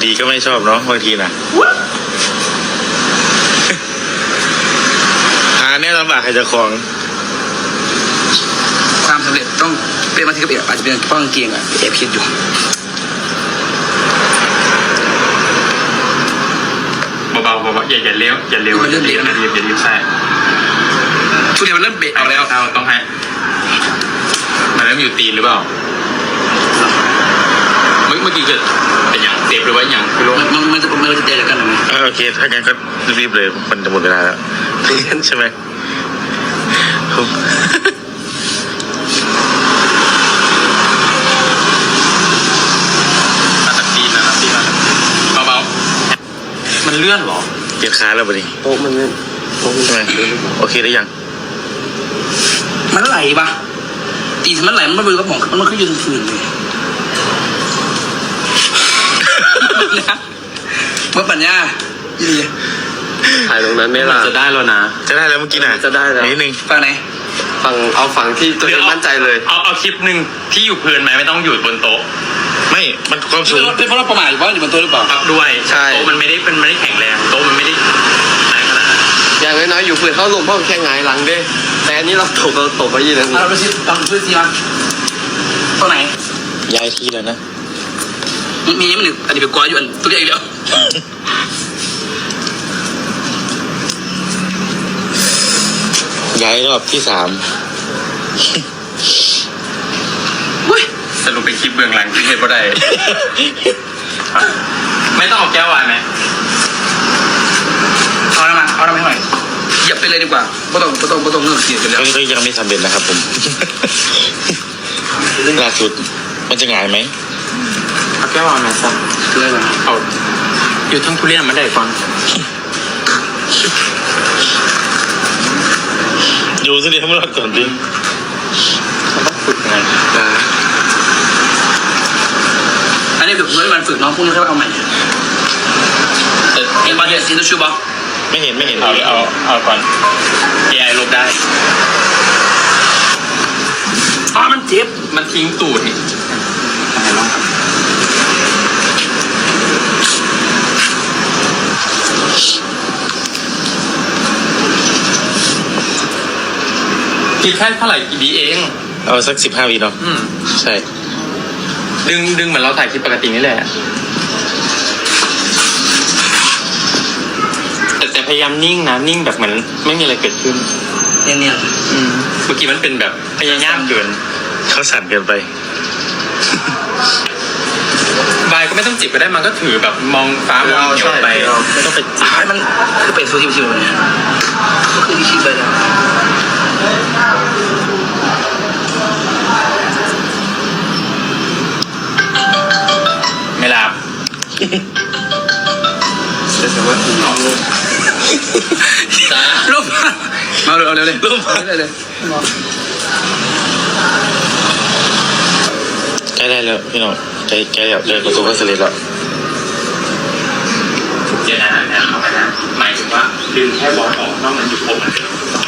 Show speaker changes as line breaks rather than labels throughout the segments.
ดีก็ไม่ชอบเนาะบางทีนะหาเนี่ยลำบากใครจะคลอง
ความสำเร็จต้องเป็นบางทีก็อาจจะเป็นป้องเกียงอะแอบคิดอยู่
เบาๆอย่าเลี้ยวอย่าเลี้ยวใช่
ทุเรียนมันเริ่มเบะเอาแล้ว
เอาต้องให้มันเริ่มอยู่ตีนหรือเปล่าเมื่อกี้เกิดเป็นอย่างเจ็บหรือว่าอย่างคือลง
มันจะเตะกันหรือไง
โอเคถ้างั้นก็รีบเลยมันจะหมดเวลาแล้วใช่ไหม
เบาๆมันเลื่อนหรอ
เปลี่ยนขาแล้วปะนี่
โต๊ะมันเนี่ย
ใช่ไหมโอเคได้ยัง
มันไหลปะตีมันไหลมันไม่รู้ก็มองมันขึ้นยืนฝืนเลยเมื่อปัญญายี่ดี
ถ่ายตรงนั้นไม่ล่ะ
จะได้แล้วนะ
จะได้แล้วเมื่อกี้น่ะ
จะได้แล้ว
นิดนึง
ฝั่งไหน
ฝั่งที่ตัวเองมั่นใจเลย
เอาคลิปหนึ่งที่อยู่พื้นไหมไม่ต้องอยู่บนโต๊ะ
ไม่มันความสูง
เป็นเพราะเราประมาทอยู่ว่าอยู่บนโต๊ะหรือเปล่า
ครับด้วยโต๊ะมันไม่ได้แข็งแรงโต๊ะมันไม่ได้ขนาดนั้น
อย่างน้อยๆอยู่พื้นเข้าลงเพราะแค่ไงหลังเด้แต่อันนี้เราตกไปยี่นั่น
เราไปซิลองช่วยซิมาตรงไหน
ย้ายที่แล้วนะ
มีมันหนึ่งอันนี้เป็นกวาอยู่อันตัวใหญ่เดียว
ย้ายรอบที่ 3
สรุปเป็นคลิปเบื้องหลังที่เห็นบ่ได้ไม่ต้องเอาแก้ววายไหม
เอาน้ำมาให้หน่อยเหยียบไปเลยดีกว่าไม่ต้องเงื่อนเสียกันแล้ว
ก็ยังไม่สำเร็จนะครับผมล่าสุดมันจะง่ายไหม
เอาแก้ววายไหมซะ
คืออะไร
เอาอยู่ทั้งทุเรียนมาได้ก่อน
อยู่สิเดี๋ยวไม่รอดก่อนดิ
มันต้องฝึกไง
อันนี้คือมันฝึกน้องพวกนี้เขาเอาใหม่เห็นบอลเดียซีนชูบอล
ไม่เห็น
เอาก่อน AI ลบได้
มันเจ็บ
มันทิ้งตูดนี่คิดแค่เท่าไหร่กี่วิเอง
เอาสัก15 วิเนาะใช่
ดึงเหมือนเราถ่ายคลิปปกตินี่แหละแต่พยายามนิ่งนะนิ่งแบบเหมือนไม่มีอะไรเกิดขึ้น
เนี่ย
เมื่อกี้มันเป็นแบบพยายามเกิน
เขาสั่นเกินไป
บายก็ไม่ต้องจิบก็ได้มันก็ถือแบบมองฟ้ามองเหนียวไป
ไม่ต้องไปจิบให้มันคือเป็นฟูชิวๆเนี่ยก็คือที่ชิบไปแล้ว
ไม่หลับ
แต่ว่าน้อง
รูปมาเร็วเลยรูปเลย
ใกล้ได้แล้วพี่น้องใกล้แล้วเดินประตูก็เสร็จแล้ว
เดี๋ยวนะหมายถึงว่าดึงแค่บอลออกนอกนั้นอยู่ครบมัน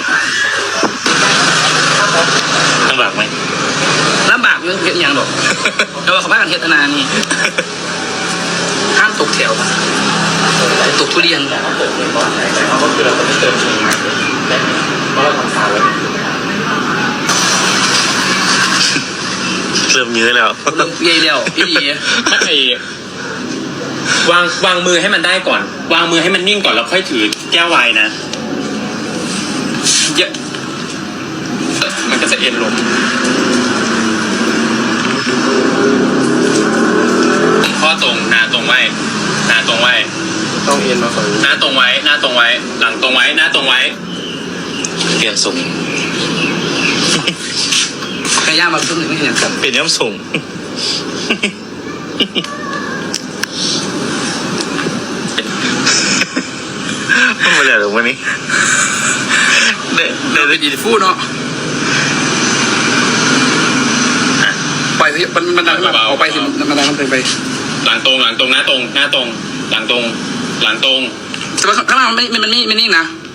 ลำบากไหม
ลำบากเรื่องเพชรยังหรอกเราเขาพากันเทศนานี่ห้ามตกแถวตกทุเรียน
เขาเติมเงินก่อนแต่เขาก็คือเราต้องเติมเงินมาเพราะเราทำซาแล้ว
เริ่มยื้อแล้ว
เริ่มเย่แล้วพี่
ไม่วางมือให้มันได้ก่อนวางมือให้มันนิ่งก่อนแล้วค่อยถือแก้วไวน์นะเยอะมันก็จะเอ็นลงข้อตรงหน้าตรงไว้
ต้องเอ็นมาก่อน
หน้าตรงไว้หลังตรงไว้หน้าตรงไว้
เปลี่ยนสูง
พยายามมาพึ่งหนึ่งไม่เห็นครับ
เปลี่ยนย้ำสูงไม่เลยหรอกวันนี้
เดี๋ยวเป็นอีฟูเนาะไปมันดังออกไปสิมันดังมันไป
หลังตรงหน้าตรงหลังตรงแต่ว่าข้างล่างมันไม่นิ่งนะ